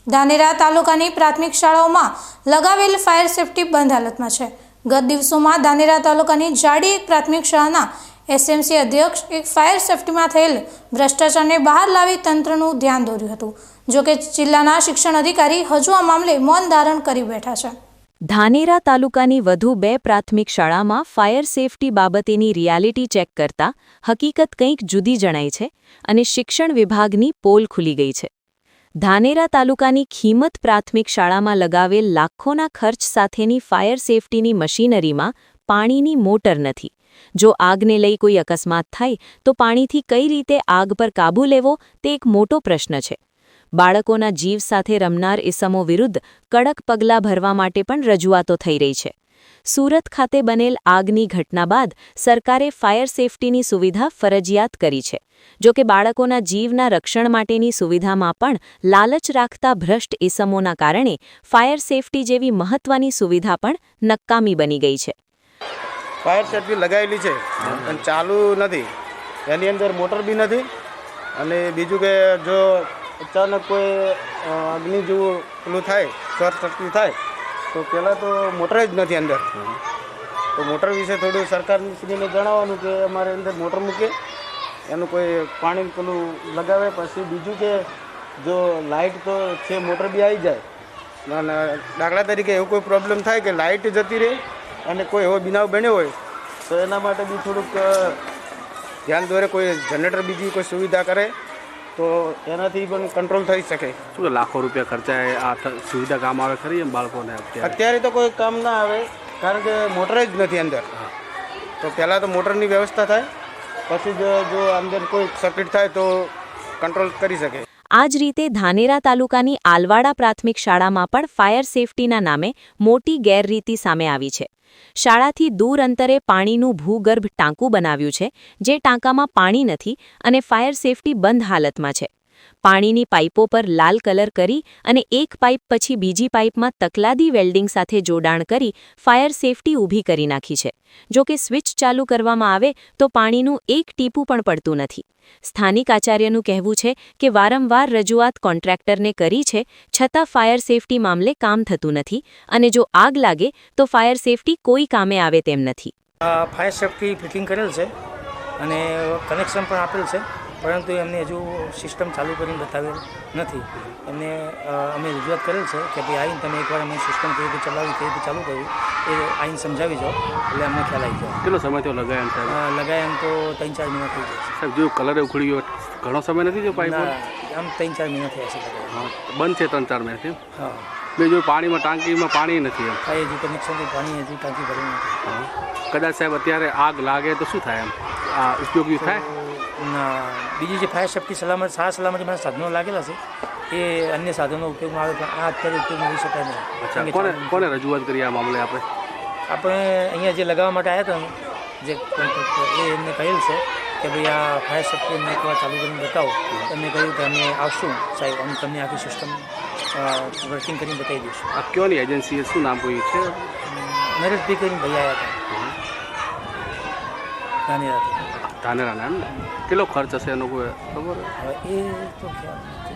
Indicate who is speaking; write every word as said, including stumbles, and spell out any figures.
Speaker 1: ધાનેરા તાલુકાની પ્રાથમિક શાળાઓમાં લગાવેલ ફાયર સેફટી બંધ હાલતમાં છે। ગત દિવસોમાં ધાનેરા તાલુકાની જાડી પ્રાથમિક શાળાના એસએમસી અધ્યક્ષ એક ફાયર સેફટીમાં થયેલ ભ્રષ્ટાચારને બહાર લાવી તંત્રનું ધ્યાન દોર્યું હતું। જોકે જિલ્લાના શિક્ષણ અધિકારી હજુ આ મામલે મૌન ધારણ કરી બેઠા છે।
Speaker 2: ધાનેરા તાલુકાની વધુ બે પ્રાથમિક શાળામાં ફાયર સેફટી બાબતેની રિયાલિટી ચેક કરતા હકીકત કંઈક જુદી જણાય છે અને શિક્ષણ વિભાગની પોલ ખુલી ગઈ છે। ધાનેરા તાલુકાની ખીમત પ્રાથમિક શાળામાં લગાવેલ લાખોના ખર્ચ સાથેની ફાયર સેફટીની મશીનરીમાં પાણીની મોટર નથી। જો આગને લઈ કોઈ અકસ્માત થાય તો પાણીથી કઈ રીતે આગ પર કાબૂ લેવો તે એક મોટો પ્રશ્ન છે। બાળકોના જીવ સાથે રમનાર ઇસમો વિરુદ્ધ કડક પગલાં ભરવા માટે પણ રજૂઆતો થઈ રહી છે। સુરત ખાતે બનેલ આગની ઘટના બાદ સરકારે ફાયર સેફટીની સુવિધા ફરજિયાત કરી છે। જો કે બાળકોના જીવના રક્ષણ માટેની સુવિધામાં પણ લાલચ રાખતા ભ્રષ્ટ ઇસમોના કારણે ફાયર સેફટી જેવી મહત્વની સુવિધા પણ નકામી બની ગઈ છે।
Speaker 3: ફાયર સેફટી લગાવેલી છે પણ ચાલુ નથી, એની અંદર મોટર બી નથી। અને બીજું કે જો અચાનક કોઈ અગ્નિ જેવું પેલું થાય, શોર્ટ સર્કિટ થાય તો પહેલાં તો મોટર જ નથી અંદર। તો મોટર વિશે થોડું સરકારશ્રીને જણાવવાનું કે અમારે અંદર મોટર મૂકે, એનું કોઈ પાણી પેલું લગાવે। પછી બીજું કે જો લાઇટ તો છે, મોટર બી આવી જાય અને દાખલા તરીકે એવું કોઈ પ્રોબ્લેમ થાય કે લાઇટ જતી રહે અને કોઈ એવો બનાવ બન્યો હોય તો એના માટે બી થોડુંક ધ્યાન દોરે, કોઈ જનરેટર બીજી કોઈ સુવિધા કરે તો એનાથી પણ કંટ્રોલ થઈ શકે।
Speaker 4: શું લાખો રૂપિયા ખર્ચાય આ સુવિધા કામ આવે ખરી એમ બાળકોને?
Speaker 3: અત્યારે તો કોઈ કામ ના આવે કારણ કે મોટર જ નથી અંદર। તો પહેલાં તો મોટરની વ્યવસ્થા થાય, પછી જો જો અંદર કોઈ સર્કિટ થાય તો કંટ્રોલ કરી શકે।
Speaker 2: આ જ રીતે ધાનેરા તાલુકાની આલવાડા પ્રાથમિક શાળામાં પણ ફાયર સેફટીના નામે મોટી ગેરરીતિ સામે આવી છે। શાળાથી દૂર અંતરે પાણીનું ભૂગર્ભ ટાંકું બનાવ્યું છે, જે ટાંકામાં પાણી નથી અને ફાયર સેફટી બંધ હાલતમાં છે। પાણીની પાઇપો પર લાલ કલર કરી અને એક પાઇપ પછી બીજી પાઇપમાં તકલાદી વેલ્ડિંગ સાથે જોડાણ કરી ફાયર સેફટી ઊભી કરી નાખી છે। જો કે સ્વિચ ચાલુ કરવામાં આવે તો પાણીનું એક ટીપું પણ પડતું નથી। સ્થાનિક આચાર્યનું કહેવું છે કે વારંવાર રજૂઆત કોન્ટ્રાક્ટરને કરી છે, છતાં ફાયર સેફટી મામલે કામ થતું નથી અને જો આગ લાગે તો ફાયર સેફટી કોઈ કામે આવે તેમ નથી।
Speaker 5: ફાયર સેફટી ફિટિંગ કરેલ છે અને કનેક્શન પણ આપેલ છે, પરંતુ એમને હજુ સિસ્ટમ ચાલુ કરીને બતાવેલ નથી। એમને અમે રજૂઆત કરેલ છે કે ભાઈ આવીને તમે એકવાર અમે સિસ્ટમ કેવી રીતે ચલાવી, કેવી રીતે ચાલુ કર્યું એ આવીને સમજાવી જાઓ એટલે અમને ખ્યાલ આવી જાય।
Speaker 4: કેટલો સમય થયો લગાવ્યા સાહેબ?
Speaker 5: લગાવ્યા એમ તો ત્રણ ચાર મહિના થઈ જાય
Speaker 4: સાહેબ। જો કલર ઉખડી ગયો ઘણો સમય નથી જો પાઇપ?
Speaker 5: આમ ત્રણ ચાર મહિના થયા છે।
Speaker 4: હા, બંધ છે ત્રણ ચાર મહિનાથી?
Speaker 5: હા।
Speaker 4: મેં જો પાણીમાં ટાંકીમાં પાણી નથી એમ?
Speaker 5: હા, હજી કનેક્શનથી પાણી હજી ટાંકી ભરેલી નથી।
Speaker 4: હા, કદાચ સાહેબ અત્યારે આગ લાગે તો શું થાય એમ? આ ઉપયોગી થાય
Speaker 5: ના? બીજી જે ફાયર સેફટી સલામત સારા સલામતી મારા સાધનો લાગેલા છે એ અન્ય સાધનો ઉપયોગમાં આવે પણ આ અત્યારે ઉપયોગમાં લઈ શકાય નહીં।
Speaker 4: અચ્છા, કોને કોને રજૂઆત કરી આ મામલે? આપણે
Speaker 5: આપણે અહીંયા જે લગાવવા માટે આવ્યા હતા જે કોન્ટ્રાક્ટર એ એમને કહેલ છે કે ભાઈ આ ફાયર સેફટી અમને એકવાર ચાલુ કરીને બતાવો। એમને કહ્યું કે અમે આવશું સાહેબ, અમે તમને આખી સિસ્ટમ વર્કિંગ કરીને બતાવી દઈશું।
Speaker 4: આ કયોની એજન્સી શું નામ કોઈ છે?
Speaker 5: નરેશભાઈ કરીને ભાઈ આવ્યા હતા ધાનેરાથી।
Speaker 4: ધાનેરાના એમ ને? કેટલો ખર્ચ હશે એનો કોઈ ખબર?
Speaker 5: એ તો ખ્યાલ